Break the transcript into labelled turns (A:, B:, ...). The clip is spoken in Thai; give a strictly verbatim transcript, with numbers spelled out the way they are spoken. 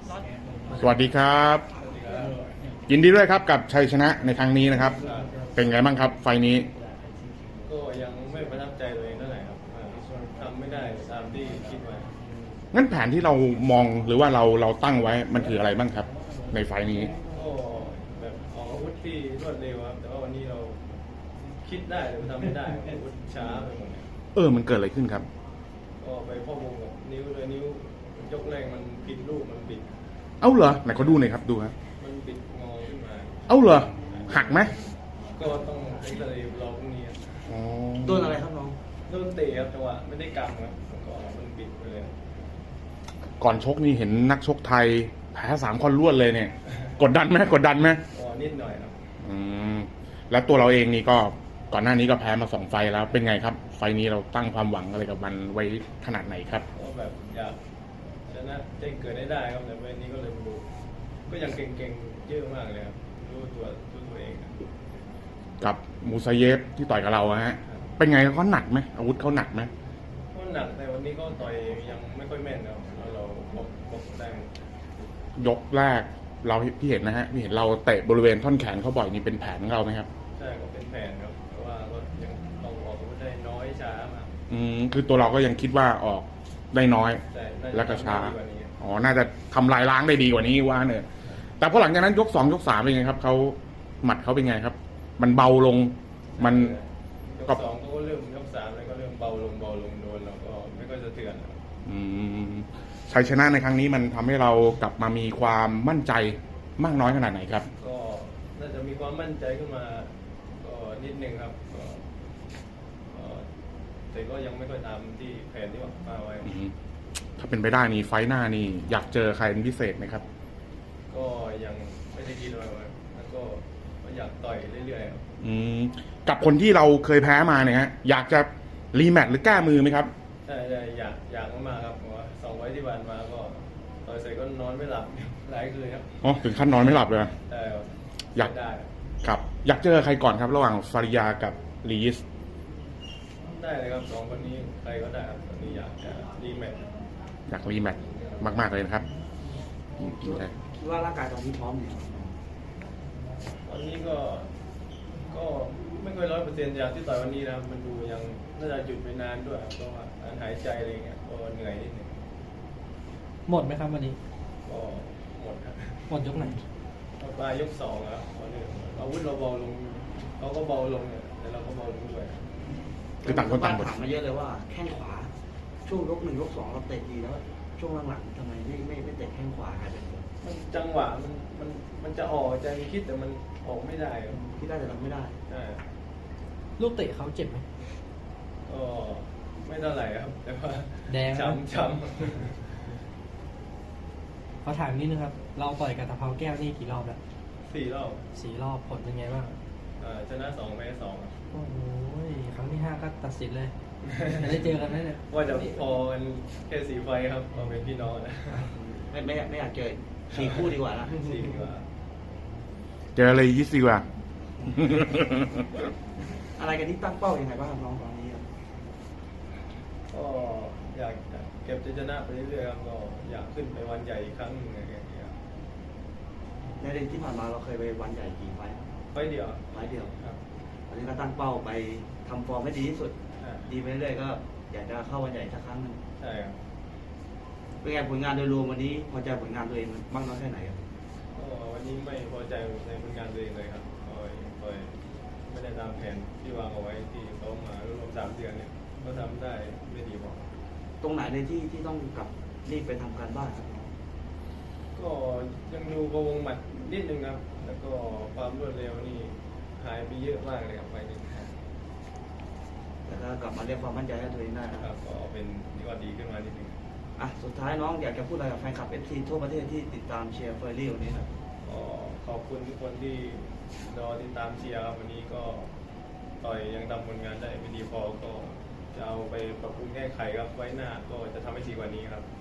A: สวัสดีครับยินดีด้วยครับกับชัยชนะในครั้งนี้นะครับเป็นไงบ้างครับไฟนี้
B: ก็ยังไม่ประทับใจตัวเองเท่าไหร่ครับทำไม่ได้ตามที่คิดไว้
A: งั้นแผนที่เรามองหรือว่าเราเราตั้งไว้มันคืออะไรบ้างครับในไฟนี้
B: ก็แบบออกอาวุธที่รวดเร็วครับแต่ว่าวันนี้เราคิดได้แต่ทำไม่ได้อาวุธช้าไปหมด
A: เออมันเกิดอะไรขึ้นครับ
B: ก็ไปพ่อวงกับนิ้วเลยนิ้วยกแรงมันผิดรูปมันบิด
A: เอ้าเหรอไหนเขาดูหน่อยครับดูครับ
B: มันบิดงอขึ้นมา
A: เอ้าเหรอหักไหม
B: ก็ต้องเอ็กซเรย์รอพรุ่งนี้
C: โดนอะไรครับน้อง
B: โดนเตะครับจังหวะไม่ได้กำครับแล้วก็มันบิดไปเลย
A: ก่อนชกนี่เห็นนักชกไทยแพ้สามคนรวดเลยเนี่ยกดดันไหมกดดันไหม
B: อ๋อนิดหน่อยครับ
A: อืมแล้วตัวเราเองนี่ก็ก่อนหน้านี้ก็แพ้มาสองไฟแล้วเป็นไงครับไฟนี้เราตั้งความหวังอะไรกับมันไว้ขนาดไหนครับ
B: ก็แบบอยากชนะแจ้งเกิดได้ได้ครับแต่วันนี้ก็เลยดูก็ยังเก่งๆเยอะมากเลยครับรู้ตัวรู้ตัวเอง
A: กับมูซาเยฟที่ต่อยกับเราฮะเป็นไงเขาหนักไหมอาวุธเขาหนักไหม
B: ก็หนักแต่วันนี้ก็ต่อยยังไม่ค่อยแม่นครับเราบกบกได้
A: ยกแรกเราพี่เห็นนะฮะพี่เห็นเราเตะบริเวณท่อนแขนเขาบ่อยนี่เป็นแผนของเราไหมครับ
B: ใช่ก็เป็นแผนครับเพราะว่าก็ยังต้องออกอาวุธได้น้อยช้ามาก
A: อืมคือตัวเราก็ยังคิดว่าออกได้น้อยแล้วก็ช้าอ๋อน่าจะทำลายล้างได้ดีกว่านี้ว่าเนี่ยแต่พอหลังจากนั้นยกสองยกสามเป็นไงครับเขาหมัดเขาเป็นไงครับมันเบาลงมัน
B: ยกสองก็เริ่มยกสามเลยก็เริ่มเบาลงเบาลงโดนเราก็ไม่ค่อยสะเทือน
A: อืมชัยชนะในครั้งนี้มันทำให้เรากลับมามีความมั่นใจมากน้อยขนาดไหนครับ
B: ก็น่าจะมีความมั่นใจขึ้นมาก็นิดนึงครับก็แต่ก็ยังไม่ค่อยตามที่แผนที่วางไว้
A: ถ้าเป็นไปได้นี่ไฟหน้านี่อยากเจอใครเป็นพิเศษไหมครับ
B: ก็ยังไม่ได้คิดไว้แล้วก็อยากต่อยเรื่อยๆครับ
A: อืมกับคนที่เราเคยแพ้มาเนี่ยฮะอยากจะรีแมตช์หรือแก้มือไหมครับ
B: ใช่ใช่อยากอยากมากครับเพราะว่าสองไว้ที่ผ่านมาก็ต่อยเสร็จก็นอนไม่หลับหลายคืนครับ
A: อ๋อถึงขั้นนอนไม่หลับเลย
B: ใช่
A: อยากได้ครับอยากเจอใครก่อนครับระหว่างฟาริยากับลีส
B: ได้เลยครับสองคนนี้ใครก็ได้ครับตอนนี้อยากจะรีแมตช์
A: อยากรีแมตช์มากๆเลยนะครับ
C: คิดว่าร่างกายตอนนี้พร้อมเนี่ย
B: วันนี้ก็ก็ไม่ค่อยร้อยเปอร์เซ็นต์อย่างที่ต่อยวันนี้นะมันดูยังน่าจะหยุดไปนานด้วยเพราะว่าการหายใจอะไรเงี้ยก็เหนื่อยนิดนึง
D: หมดไหมครับวันนี้
B: ก็หมดครับ
D: หมดยกไหน
B: ปลายยกสองครับวันนี้อาวุธเราเบาลงเขาก็เบาลงเนี่ยแต่เราก็เบาลงด้วย
A: คือต่างคนต่าง
C: ถามมาเยอะเลยว่าแข้งขวาช่วงยกหนึ่งยกสองเราเตะดีแล้วช่วงหลังๆทำไมไม่ไม่ไม่เตะแข้งขวาครับ
B: มันจังหวะมันมันมันจะออกใจคิดแต่มันออกไม่ได้
C: คิดได้แต่ทำไม่ได้
B: ใช่
D: ลูกเตะเขาเจ็บไหม
B: ก็ไม่เท่าไหร่ครับแต่ว่า
D: แดง
B: ช้ำช้ำ
D: เขาถามนิดนึงครับเราต่อยกับตะเภาแก้วนี่กี่รอบแล้ว
B: สี่รอบ
D: สี่รอบผลเป็นไงบ้าง
B: ชนะสองแพ้สอง
D: โอ้ยครั้งที่ห้าก็ตัดสินเลยจะได้เจอกันไหมเนี่ย
B: ว่าจะพอกันแค่สีไฟครับเราเป็นพี่น้องนะ
C: ไม่ไม่ไม่อยากเจอสี่คู่ดีกว่านะ
B: สี่ดีกว่า
A: เจออะไรยี่สิบว่ะ
C: อะไรกันที่ตั้งเป้าอย่างไรบ้างน้องตอนนี้
B: ก็อยากเก็บจะชนะไปเรื่อยๆครับก็อยากขึ้นไปวันใหญ่อีกครั้งหนึ่งอะไรอย่างเงี้ย
C: ในเดือนที่ผ่านมาเราเคยไปวันใหญ่กี่ไฟ
B: ไฟเดียว
C: ไฟเดียวครับวันนี้ก็ตั้งเป้าไปทำฟอร์มให้ดีที่สุดดีไปเรื่อยๆก็อยากจะเข้าวันใหญ่สักครั้งหนึ่ง
B: ใช่ครับ
C: เป็นไงผลงานโดยรวมวันนี้พอใจผลงานตัวเองมากน้อยแค่ไหนครับ
B: วันนี้ไม่พอใจในผลงานตัวเองเลยครับโดยไม่ได้ตามแผนที่วางเอาไว้ที่เขามารวมสามเดือนเนี่ยก็ทำได้ไม่ดีพอ
C: ตรงไหนในที่ที่ต้องกลับรีบไปทำการบ้านครับ
B: ก็ยังดูกระวงหมัดนิดนึงครับแล้วก็ความรวดเร็วนี่หายไปเยอะมากเลยครับไปหนึ่ง
C: แต่ถ้ากลับมาเรียกความมั่นใจให้ตัวเองได้
B: นะครับก็เป็นนี่ก็ดีขึ้นมานิดนึง
C: อ่ะสุดท้ายน้องอยากจะพูดอะไรกับแฟนคลับเอฟซีทั่วประเทศที่ติดตามเชียร์เฟอร์รี่วันนี้ครับ
B: ก็ขอบคุณทุกคนที่รอติดตามเชียร์ครับวันนี้ก็ต่อยยังทำผลงานได้ไม่ดีพอก็จะเอาไปปรับปรุงแก้ไขครับไว้หน้าก็จะทำให้ดีกว่านี้ครับ